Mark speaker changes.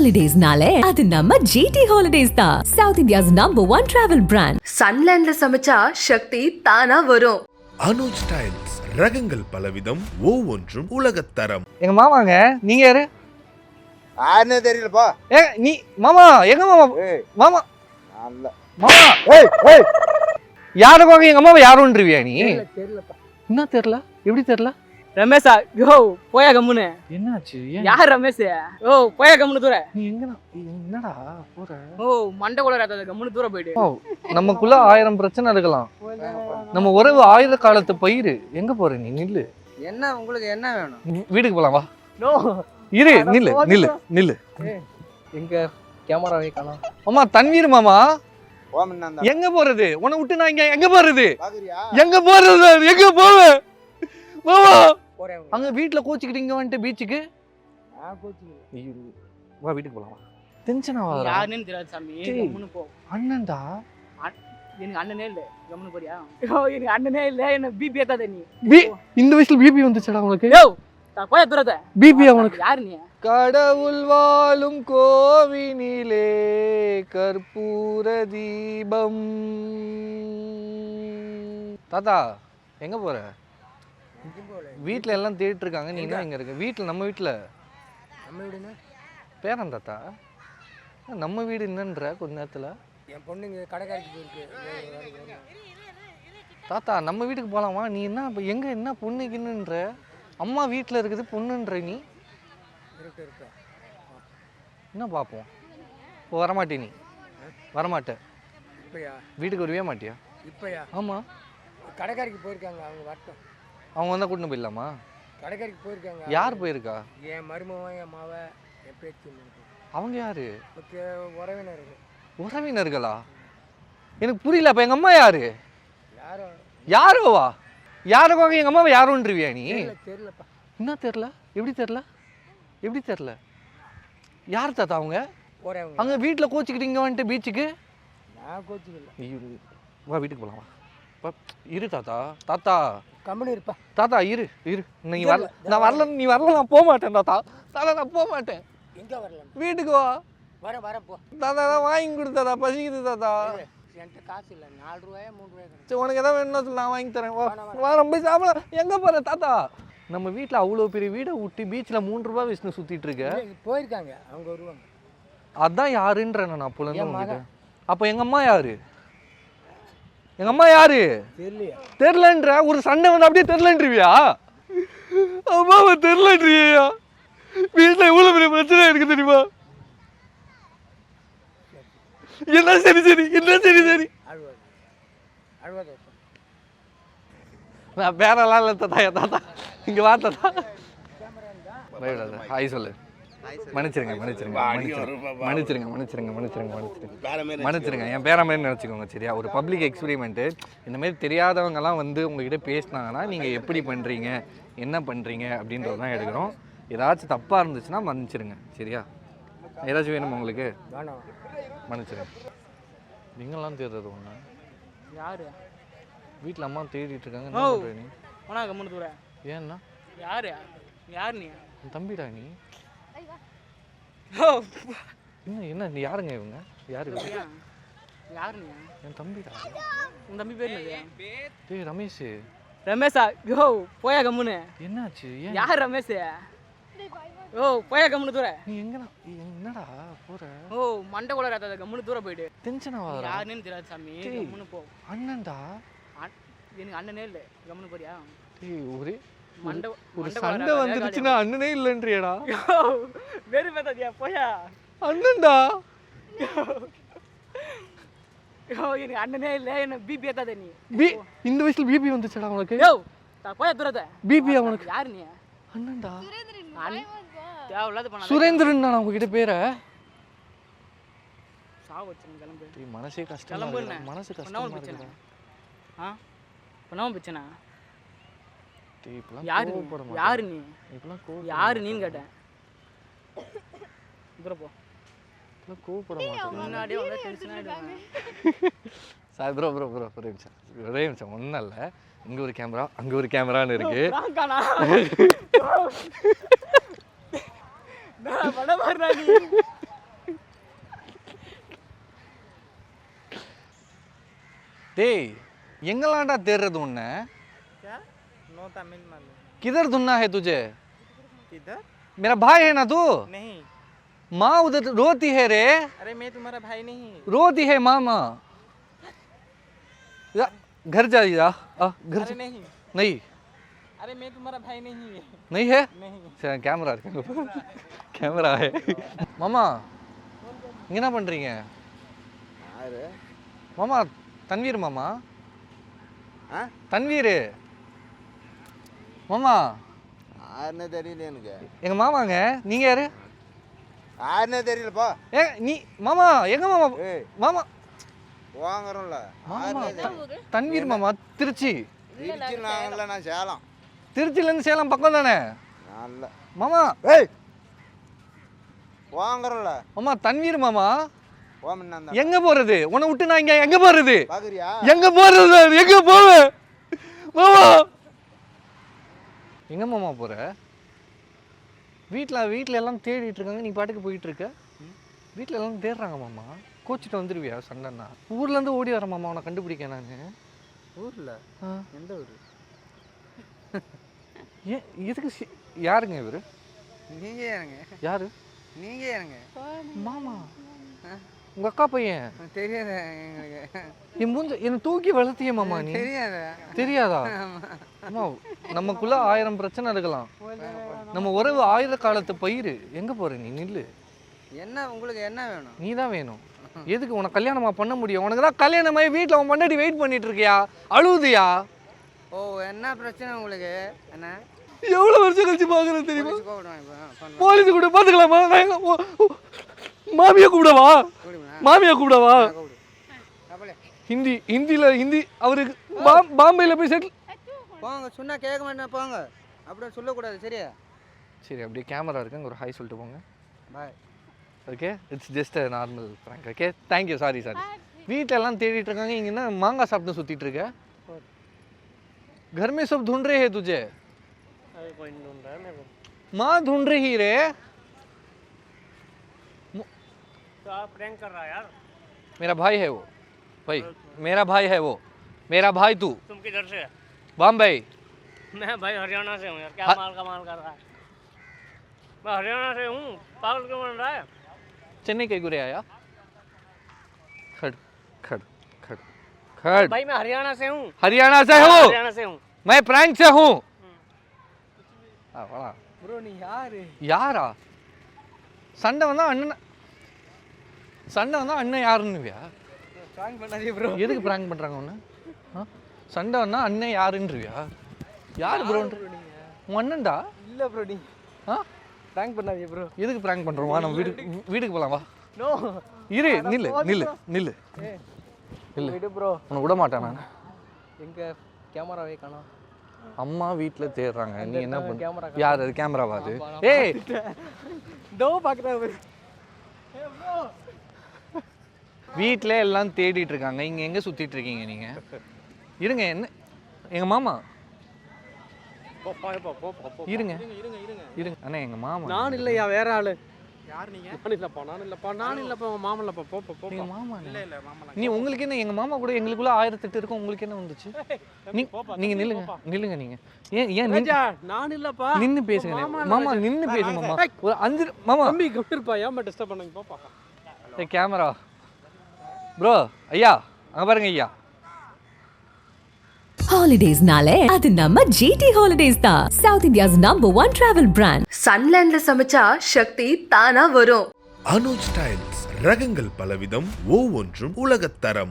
Speaker 1: ஹாலிடேஸ்னாலே அது நம்ம ஜிடி ஹாலிடேஸ் தான். South India's number 1 travel brand.
Speaker 2: சன்லேண்ட்ல சமைச்சா சக்தி தானா வரும்.
Speaker 3: அனுஜ் ஸ்டைல்ஸ் ரகங்கள் பலவிதம், ஒவ்வொன்றும் உலகத்தரம்.
Speaker 4: எங்க மாமாங்க, நீங்க யாரு?
Speaker 5: யாருன்னே தெரியலப்பா.
Speaker 4: நீ மாமா, எங்க மாமா? மாமா மாமா, யாருக்காக எங்க அம்மாவை யாருன்றிவியா நீ?
Speaker 5: தெரியலப்பா.
Speaker 4: என்ன தெரியல? எப்படி தெரியல?
Speaker 6: ரமேஷா, யோ போயா கம்முன்னு.
Speaker 4: என்னாச்சு?
Speaker 6: யார் ரமேஷ்? ஓ போயா கம்முன்னு தூர.
Speaker 4: நீ என்னடா போற?
Speaker 6: ஓ மண்டை கூட ராத்தாத கம்முன்னு தூர போயிடு.
Speaker 4: நமக்குள்ள 1000 பிரச்சனை இருக்கலாம். நம்ம உறவு 1000 காலத்து பயிர். எங்க போற நீ? நில்லு.
Speaker 6: என்ன உங்களுக்கு என்ன வேணும்?
Speaker 4: வீட்டுக்கு போலாம் வா.
Speaker 6: நோ
Speaker 4: இரு, நில்லு நில்லு நில்லு.
Speaker 6: எங்க கேமரா வைக்கலாம்?
Speaker 4: அம்மா தன்வீர் மாமா,
Speaker 5: ஓமன்னா
Speaker 4: எங்க போறது? உன்னை விட்டு நான் இங்க எங்க போறது?
Speaker 5: பாக்குறியா?
Speaker 4: எங்க போறது? எங்க போவேன் மாமா?
Speaker 6: போறேன்.
Speaker 4: அங்க வீட்டுல கோச்சிக்கிட்டு இங்க வந்துட்டு பீச்சுக்கு
Speaker 5: நான் கோச்சிக்கிறேன்.
Speaker 4: வா வீட்டுக்கு போலாம். டென்ஷன் ஆகாதடா.
Speaker 6: யாருன்னு தெரியாது சாமி, கம்முன்னு போ.
Speaker 4: அண்ணன்டா.
Speaker 6: எனக்கு அண்ணனே இல்ல, கம்முன்னு போறியா? யோ எனக்கு அண்ணனே இல்ல, என்ன பிபி ஏத்தாத நீ.
Speaker 4: இந்த வயசுல பிபி வந்துச்சடா உனக்கு?
Speaker 6: யோ போயா தூரத.
Speaker 4: பிபி அவனுக்கு.
Speaker 6: யாரு நீ?
Speaker 4: கடவுள் வாழும் கோவினிலே கற்பூர தீபம். தாத்தா எங்க போற? வீட்டுல எல்லாம் தேடிட்டு இருக்காங்க, நீ என்ன இங்க இருக்க? வீட்டுல நம்ம வீட்டுல.
Speaker 5: நம்ம வீடுன்னா
Speaker 4: பேரன் தாத்தா, நம்ம வீடு என்னன்ற கொஞ்ச நேரத்துல.
Speaker 5: என் பொண்ணுங்க கடைக்காரிக்கு போயிருக்கு.
Speaker 4: தாத்தா நம்ம வீட்டுக்கு போலாமா? நீ என்ன எங்க என்ன பொண்ணுக்குன்னுன்ற? அம்மா வீட்டுல இருக்குது பொண்ணுன்ற நீ.
Speaker 5: இருக்கு
Speaker 4: என்ன பார்ப்போம். இப்போ வரமாட்டே நீ? வரமாட்டே.
Speaker 5: இப்பயா?
Speaker 4: வீட்டுக்கு வரவே மாட்டியா?
Speaker 5: இப்பயா?
Speaker 4: ஆமா,
Speaker 5: கடைக்காரிக்கு போயிருக்காங்க, அவங்க வரட்டும்.
Speaker 4: அவங்க வந்தா கூட்டின்னு போயிடலாமா?
Speaker 5: கடைக்காரிக்கு போயிருக்காங்க.
Speaker 4: யார் போயிருக்கா?
Speaker 5: என் மருமவன், என் மாவ, என் பேத்தி.
Speaker 4: அவங்க யாரு?
Speaker 5: உறவினர்கள்.
Speaker 4: உறவினர்களா? எனக்கு புரியல. அப்ப எங்க அம்மா யாரு?
Speaker 5: யாரோ
Speaker 4: யாரோவா? யாருக்காக எங்க அம்மாவை யாருன்றிவியா நீ?
Speaker 5: தெரியலப்பா.
Speaker 4: என்ன தெரியல? எப்படி தெரியல? எப்படி தெரியல? யார் தாத்தா அவங்க?
Speaker 5: போறேன்.
Speaker 4: அங்க வீட்டுல கோச்சிக்கிட்டு இங்க வந்துட்டு பீச்சுக்கு.
Speaker 5: நான் கோச்சிக்கல.
Speaker 4: வா வீட்டுக்கு போலாம் வா. இரு தாத்தா. தாத்தா
Speaker 5: கம்பெனி இருப்பா.
Speaker 4: தாத்தா இரு இரு. நீ வரல, நான் வரல. நீ வரல, நான் போக மாட்டேன் தாத்தா. தாத்தா நான் போக மாட்டேன்.
Speaker 5: எங்க வரலாம்?
Speaker 4: வீட்டுக்கு வா.
Speaker 5: வரேன் போ.
Speaker 4: தாத்தா தான் வாங்கி கொடுத்தாதா, பசிக்குது தாத்தா.
Speaker 5: என்கிட்ட காசு இல்லை. 4 ரூபாயா 3 ரூபாயா?
Speaker 4: சரி உனக்கு எதாவது வேணும்னா சொல்லு, நான் வாங்கி தரேன். வா வா, ரொம்ப சாப்பிட. எங்க போற தாத்தா? நம்ம வீட்டில் அவ்வளோ பெரிய வீடை விட்டு பீச்சில் 3 ரூபா விஷ்ணு சுத்திட்டு இருக்க.
Speaker 5: போயிருக்காங்க, அவங்க வருவாங்க.
Speaker 4: அதான் யாருன்ற நான் அப்போலேருந்து உங்ககிட்ட. அப்போ எங்க அம்மா யாரு? எங்க அம்மா யாரு?
Speaker 5: தெரியலையா?
Speaker 4: தெரிலன்ற ஒரு சண்டை வந்து அப்படியே தெரிலன்றிவியா? அம்மாவை தெரிலன்றியா? வீட்டில் எவ்வளோ பெரிய பிரச்சனை இருக்கு தெரியுமா? என்ன சரி சரி, என்ன சரி சரி.
Speaker 5: அழுவாத.
Speaker 4: நான் பேரெல்லாம் இல்லை தாத்தா. தாத்தா இங்கே வா தாத்தா. ஹாய் சொல்லு. மன்னிச்சிருங்க மன்னிச்சிருங்க மன்னிச்சிருங்க மன்னிச்சிருங்க மன்னிச்சிருங்க மன்னிச்சிருங்க மன்னிச்சிருங்க. என் பேர மாதிரி நினச்சிக்கோங்க சரியா? ஒரு பப்ளிக் எக்ஸ்பெரிமெண்ட்டு. இந்தமாரி தெரியாதவங்கலாம் வந்து உங்ககிட்ட பேசினாங்கன்னா நீங்கள் எப்படி பண்ணுறீங்க, என்ன பண்ணுறீங்க அப்படின்றது தான் எடுக்கிறோம். ஏதாச்சும் தப்பாக இருந்துச்சுன்னா மன்னிச்சிருங்க சரியா? ஏதாச்சும் வேணுமா உங்களுக்கு? மன்னிச்சிருங்க. நீங்களாம் தேடுறது ஒன்று.
Speaker 6: யாரு?
Speaker 4: வீட்டில் அம்மா தேடிட்டு இருக்காங்க.
Speaker 6: ஓ
Speaker 4: என்ன பண்ணுற நீ?
Speaker 6: போனா கம்முன்னு தூர.
Speaker 4: ஏன்னா
Speaker 6: யாரு? யார் நீ?
Speaker 4: என் தம்பிடா நீ.
Speaker 6: ஓ
Speaker 4: என்ன என்ன நீ யாருங்க இவங்க? யாரு?
Speaker 6: யார் நீ?
Speaker 4: என் தம்பிடா.
Speaker 6: உன் தம்பி பேர் என்னது?
Speaker 4: டேய் ரமேஷ்.
Speaker 6: ரமேஷா, யோ போயா கம்முன்னு.
Speaker 4: என்னாச்சு? ஏன்
Speaker 6: யார் ரமேஷ்? ஓ போயா கம்முன்னு தூர.
Speaker 4: நீ என்னடா போற?
Speaker 6: ஓ மண்டை கூட ராத்தாத கம்முன்னு தூர போயிடு.
Speaker 4: டென்ஷன் ஆகாதடா.
Speaker 6: யாருன்னு தெரியாது சாமி, கம்முன்னு போ.
Speaker 4: அண்ணன்டா.
Speaker 6: எனக்கு அண்ணனே இல்ல, கம்முன்னு போறியா?
Speaker 4: டேய் ஒரே
Speaker 6: மண்டை
Speaker 4: ஒரு சண்டை வந்துருச்சுன்னா அண்ணனே இல்லைன்றியடா.
Speaker 6: வெறு பேத்தாதியா போயா.
Speaker 4: அண்ணன்டா.
Speaker 6: யோ எனக்கு அண்ணனே இல்ல, என்ன பிபி ஏத்தாத நீ.
Speaker 4: இந்த வயசுல பிபி வந்துச்சடா உனக்கு?
Speaker 6: யோ போயா தூரத.
Speaker 4: பிபி அவனுக்கு.
Speaker 6: யாரு நீ?
Speaker 4: அண்ணன்டா.
Speaker 6: தேவையில்லாத பண்ணாத.
Speaker 4: சுரேந்திரன் நான் உங்ககிட்ட பேரை
Speaker 6: சாவு வச்சுங்க. கிளம்பு.
Speaker 4: டேய் மனசே கஷ்டமா
Speaker 6: கிளம்பு.
Speaker 4: இருக்கு. மனசு கஷ்டமா இருக்கு.
Speaker 6: பண்ணாம பிரச்சனை.
Speaker 4: டேய் இப்பலாம்
Speaker 6: யாரு? யாரு நீ?
Speaker 4: இப்பலாம்
Speaker 6: யாரு நீன்னு கேட்டேன். தூர போ.
Speaker 4: இப்பலாம் கோவப்பட மாட்டேன்.
Speaker 6: முன்னாடியே வந்து டென்ஷன் ஆயிடுவாங்க.
Speaker 4: சார் ப்ரோ ஒரே நிமிஷம் ஒன்றும் இல்லை. இங்கே ஒரு கேமரா அங்கே ஒரு கேமரான்னு இருக்கு. டேய் எங்கெல்லாம்டா தேடுறது உன்னை?
Speaker 5: क्या नो तमिल मालूम
Speaker 4: किधर ढूंढना है तुझे?
Speaker 5: किधर
Speaker 4: मेरा भाई है ना तू?
Speaker 5: नहीं
Speaker 4: माँ उधर रोती है रे,
Speaker 5: अरे मैं तुम्हारा भाई नहीं
Speaker 4: रोती है मामा। जा, घर जा जा, घर
Speaker 5: अरे
Speaker 4: जा।
Speaker 5: नहीं
Speaker 4: नहीं
Speaker 5: अरे मैं तुम्हारा भाई नहीं है
Speaker 4: नहीं है?
Speaker 5: नहीं
Speaker 4: சரி கேமரா இருக்கு, கேமரா है மாமா. இங்க என்ன பண்றீங்க? மாமா தன்வீர் மாமா. தன்வீர் மாமா.
Speaker 7: யாருன்னே தெரியல எனக்கு.
Speaker 4: எங்க மாமாங்க. நீங்க யாரு?
Speaker 7: யாருன்னே தெரியலப்பா.
Speaker 4: ஏ நீ மாமா எங்க மாமா?
Speaker 7: ஏய்
Speaker 4: மாமா
Speaker 7: வாங்குறோம்ல.
Speaker 4: மாமா தன்வீர் மாமா திருச்சி.
Speaker 7: திருச்சி நாங்கள்ல, நான் சேலம்.
Speaker 4: திருச்சிலேருந்து சேலம் பக்கம் தானே
Speaker 7: நல்ல
Speaker 4: மாமா?
Speaker 7: ஏய் வாங்குறோம்ல.
Speaker 4: மாமா தன்வீர் மாமா.
Speaker 7: ஓமன்னா
Speaker 4: எங்க போறது? உன்னை விட்டு நான் இங்க எங்க போறது?
Speaker 7: பாக்குறியா?
Speaker 4: எங்க போறது? எங்க போவேன் மாமா? எங்க மாமா போற? வீட்டில் எல்லாம் தேடிட்டு இருக்காங்க, நீ பாட்டுக்கு போயிட்டு இருக்க. வீட்டில் எல்லாம் தேடுறாங்க மாமா. கோச்சிட்டு வந்துடுவியா சண்டைன்னா? ஊர்லேருந்து ஓடி வரேன் மாமா உன்னை கண்டுபிடிக்க நான்.
Speaker 5: ஊரில் எந்த ஊர்?
Speaker 4: ஏன் எதுக்கு யாருங்க இவர்?
Speaker 5: நீங்கள் ஏறுங்க
Speaker 4: யாரு?
Speaker 5: நீங்கள் ஏறுங்க
Speaker 4: மாமா உங்க அக்கா பையன்.
Speaker 5: தெரியாத எங்களுக்கு
Speaker 4: என் மூஞ்ச என்னை தூக்கி வளர்த்திய மாமா நீ.
Speaker 5: தெரியாத
Speaker 4: தெரியாதா? அம்மா நமக்குள்ள 1000 பிரச்சனை இருக்கலாம். நம்ம உறவு 1000 காலத்து பயிர். எங்க போற நீ? நில்லு.
Speaker 5: என்ன உங்களுக்கு என்ன வேணும்?
Speaker 4: நீ தான் வேணும். எதுக்கு உனக்கு கல்யாணமா பண்ண முடியும்? உனக்கு தான் கல்யாணமாயி வீட்டில் அவன் முன்னாடி வெயிட் பண்ணிட்டு இருக்கியா? அழுவுதியா?
Speaker 5: ஓ என்ன பிரச்சனை உங்களுக்கு? என்ன
Speaker 4: எவ்வளவு வருஷம் கழிச்சு பாக்குறது தெரியுமா?
Speaker 5: கூப்பிடுவேன்
Speaker 4: போலீஸ் கூட பாத்துக்கலாமா? மாமியா கூப்பிடவா? மாமியா கூப்பிடவா? ஹிந்தி அவருக்கு பாம்பேல போய் செட்டில்.
Speaker 5: போங்க சொன்னா கேட்க மாட்டேன் போங்க. அப்படியே சொல்லக்கூடாது சரியா?
Speaker 4: சரி அப்படியே கேமரா இருக்கு, ஒரு ஹாய் சொல்லிட்டு போங்க.
Speaker 5: Bye.
Speaker 4: Okay it's just a normal prank. Okay thank you. Sorry வீட்டில் எல்லாம் தேடிட்டு இருக்காங்க, இங்கே என்ன மாங்காய் சாப்பிட்டு சுற்றிட்டு இருக்க? घर में सब ढूंढ रहे हैं तुझे.
Speaker 5: कोई नहीं ढूंढ रहा है मेरे को.
Speaker 4: माँ ढूंढ रही रे.
Speaker 5: तो आप प्रैंक कर रहा है यार.
Speaker 4: मेरा भाई है वो. भाई मेरा भाई है वो. मेरा भाई तू.
Speaker 5: तुम किधर से?
Speaker 4: बॉम्बे.
Speaker 5: मैं भाई हरियाणा से हूँ यार. क्या माल कमाल कर रहा है? मैं हरियाणा से हूँ. पागल क्यों बन रहा है?
Speaker 4: चेन्नई के गुरे आया. खड़ खड़ खड़ खड़.
Speaker 5: भाई मैं हरियाणा से हूँ.
Speaker 4: हरियाणा से हो.
Speaker 5: हरियाणा से हूँ.
Speaker 4: मैं प्रैंक से हूँ.
Speaker 5: ब्रो नहीं यार.
Speaker 4: யாரா? சண்டை வந்தா அண்ணன் யாருன்னுவியா?
Speaker 5: प्रैंक बना दिए ब्रो.
Speaker 4: எதுக்கு பிராங்க் பண்றாங்க உன்னை? சண்டை வந்தா அண்ணன் யாருன்றியா? யாரு ப்ரோ? உன் அண்ணன்டா.
Speaker 5: இல்ல ப்ரோ நீ प्रैंक बना दिए ब्रो.
Speaker 4: எதுக்கு பிராங்க் பண்றோம்? வா நம்ம வீட்டுக்கு போலாம் வா.
Speaker 5: नो
Speaker 4: இரு நில்லு நில்லு நில்லு. இல்ல
Speaker 5: விடு ப்ரோ.
Speaker 4: உன்னை விட மாட்டேன் நான்.
Speaker 5: எங்க கேமராவே காணோம்.
Speaker 4: அம்மா வீட்ல தேடுறாங்க, நீ என்ன பண்ண?
Speaker 5: கேமரா
Speaker 4: யார் அது? கேமராவா அது? ஏய்
Speaker 5: दो பாக்குறா ப்ரோ.
Speaker 4: வீட்ல எல்லாம் தேடிட்டு இருக்காங்க, இங்க எங்க சுத்திட்டு இருக்கீங்க நீங்க? இருங்க. என்ன எங்க மாமா? இருங்க இருங்க அண்ணா எங்க மாமா.
Speaker 5: நான் இல்லையா வேற ஆளு. யார் நீங்க? நான் இல்லப்பா மாமா இல்லப்பா. போ
Speaker 4: எங்க மாமா.
Speaker 5: இல்ல மாமா.
Speaker 4: நீ உங்களுக்கு என்ன? எங்க மாமா கூட எங்களுக்குள்ள 1008 இருக்கும், உங்களுக்கு என்ன வந்துச்சு? நீங்க நில்லுங்க நீங்க. ஏன்
Speaker 5: நான் இல்லப்பா.
Speaker 4: நின்னு பேசுங்க மாமா. நின்னு பேசுங்க மாமா. ஒரு 5 மாமா
Speaker 5: தம்பி கம்மிருப்பா. ஏன் டிஸ்டர்ப் பண்ணீங்க? போப்பா.
Speaker 4: ஏய் கேமரா ப்ரோ. ஐயா அங்க பாருங்க ஐயா.
Speaker 1: ஹாலிடேஸ்னாலே அது நம்ம GT Holidays தான். South India's #1 travel brand.
Speaker 2: சன்லேண்ட்ல சமைச்சா சக்தி தானா வரும்.
Speaker 3: அனுஜ் ஸ்டைல்ஸ் ரகங்கள் பலவிதம், ஒவ்வொன்றும் உலகத்தரம்.